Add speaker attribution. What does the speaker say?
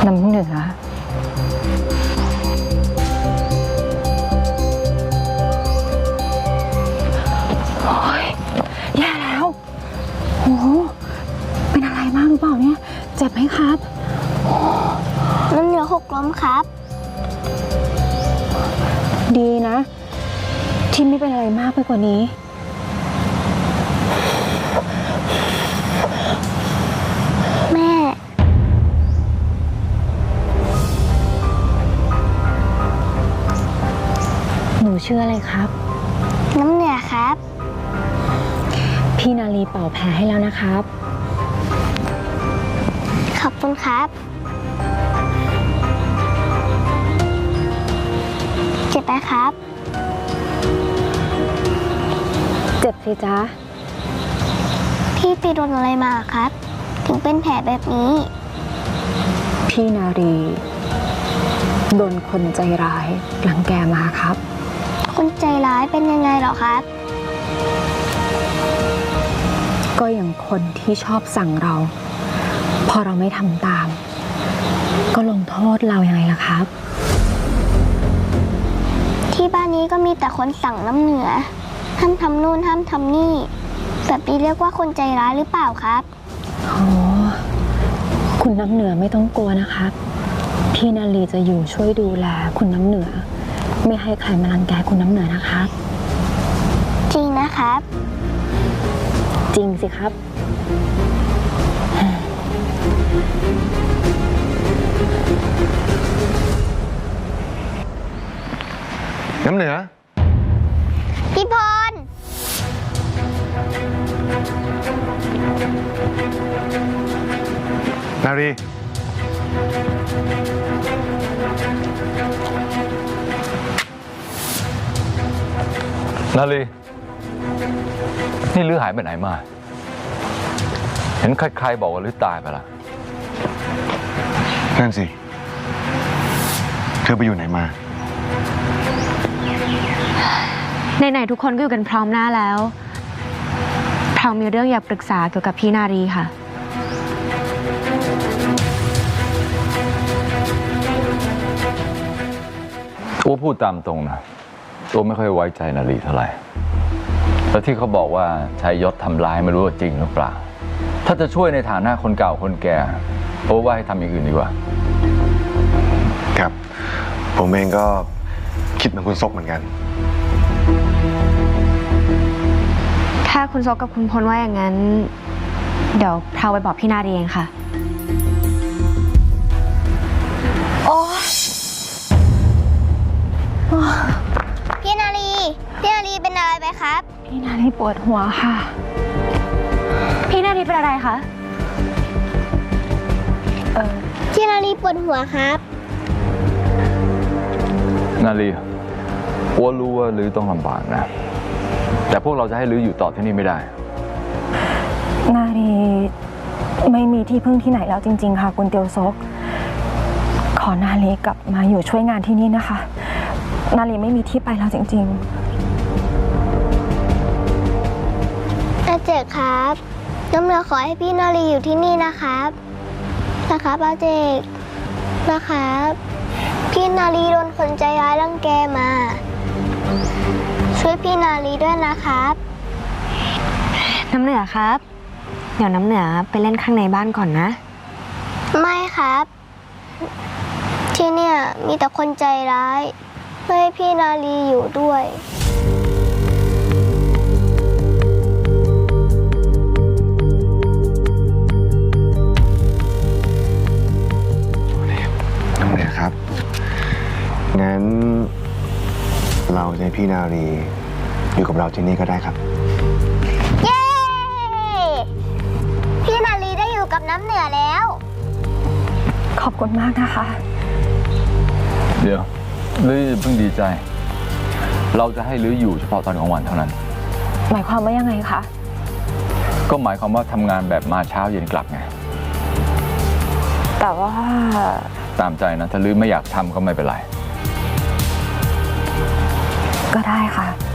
Speaker 1: น้ำเหนือโอ้ยแย่แล้วโอ้เป็นอะไรมากหรือเปล่าเนี่ยเจ็บไหมครับ
Speaker 2: น้ำเหนือหกล้มครับ
Speaker 1: ดีนะที่ไม่เป็นอะไรมากไปกว่านี้
Speaker 2: แม่
Speaker 1: หนูชื่ออะไรครับ
Speaker 2: น้ำเหนือครับ
Speaker 1: พี่นาลีเป่าแผลให้แล้วนะครับ
Speaker 2: ขอบคุณครับเจ็บไหมครับ
Speaker 1: เจ็บสิจ๊ะ
Speaker 2: พี่ไปโดนอะไรมาครับถึงเป็นแผลแบบนี้
Speaker 1: พี่นารีโดนคนใจร้ายรังแกมาครับ
Speaker 2: คนใจร้ายเป็นยังไงหรอครับ
Speaker 1: ก็อย่างคนที่ชอบสั่งเราพอเราไม่ทำตามก็ลงโทษเรายังไงล่ะครับ
Speaker 2: ที่บ้านนี้ก็มีแต่คนสั่งน้ำเหนือห้ามทำนู่นห้ามทำนี่แบบนี้เรียกว่าคนใจร้ายหรือเปล่าครับ
Speaker 1: โอ้คุณน้ำเหนือไม่ต้องกลัวนะครับพี่นาลีจะอยู่ช่วยดูแลคุณน้ำเหนือไม่ให้ใครมารังแกคุณน้ำเหนือนะครับ
Speaker 2: จริงนะครับ
Speaker 1: จริงสิครับ
Speaker 3: น้ำเหนือ
Speaker 2: พี่พร
Speaker 3: นารี
Speaker 4: นาลีนี่ลือหายไปไหนมาเห็นใครๆบอกว่าลือตายไปละ
Speaker 3: นั่นสิเธอไปอยู่ไหนมา
Speaker 1: ไหนๆทุกคนก็อยู่กันพร้อมหน้าแล้วพร้อมมีเรื่องอยากปรึกษาเกี่ยวกับพี่นารีค่ะ
Speaker 4: ตัวพูดตามตรงนะตัวไม่ค่อยไว้ใจนาลีเท่าไหร่แล้วที่เขาบอกว่าใช้ยศทำร้ายไม่รู้ว่าจริงหรือเปล่าถ้าจะช่วยในฐานะคนเก่าคนแก่เพราะว่าให้ทำอย่างอื่นดีกว่า
Speaker 3: ครับผมเองก็คิดเหมือนคุณซกเหมือนกัน
Speaker 1: ถ้าคุณซกกับคุณพลว่าอย่างนั้นเดี๋ยวพราวไปบอกพี่นารีเองค่ะโอ้
Speaker 2: พี่นารีเป็นอะไรไปครับ
Speaker 1: พี่นารีปวดหัวค่ะพี่นารีเป็นอะไรคะ
Speaker 2: พี่นารีปวดหัวครับ
Speaker 4: นาลีอัวรู้ว่าลือต้องลำบากนะแต่พวกเราจะให้ลืออยู่ต่อที่นี่ไม่ได้
Speaker 1: นารีไม่มีที่พึ่งที่ไหนแล้วจริงๆค่ะคุณเตียวซกขอนาลีกลับมาอยู่ช่วยงานที่นี่นะคะนาลีไม่มีที่ไปแล้วจริงๆ
Speaker 2: อาเจกครับน้ำเหนือขอให้พี่นาลีอยู่ที่นี่นะครับอาเจกนะครับพี่นาลีโดนคนใจร้ายรังแกมาช่วยพี่นาลีด้วยนะครับ
Speaker 1: น้ำเหนือครับเดี๋ยวน้ำเหนือไปเล่นข้างในบ้านก่อนนะ
Speaker 2: ไม่ครับที่เนี่ยมีแต่คนใจร้ายไม่ให้พี่นาลีอยู่ด้วย
Speaker 3: น้ำเหนือครับงั้นเราจะให้พี่นารีอยู่กับเราที่นี่ก็ได้ครับ
Speaker 2: เย้พี่นาลีได้อยู่กับน้ำเหนือแล้ว
Speaker 1: ขอบคุณมากนะคะ
Speaker 4: เดี๋ยวลือเพิ่งดีใจเราจะให้ลืออยู่เฉพาะตอนกลางวันเท่านั้น
Speaker 1: หมายความว่ายังไงคะ
Speaker 4: ก็หมายความว่าทำงานแบบมาเช้าเย็นกลับไง
Speaker 1: แต่ว่า
Speaker 4: ตามใจนะถ้าลือไม่อยากทำก็ไม่เป็นไร
Speaker 1: ก็ได้ค่ะ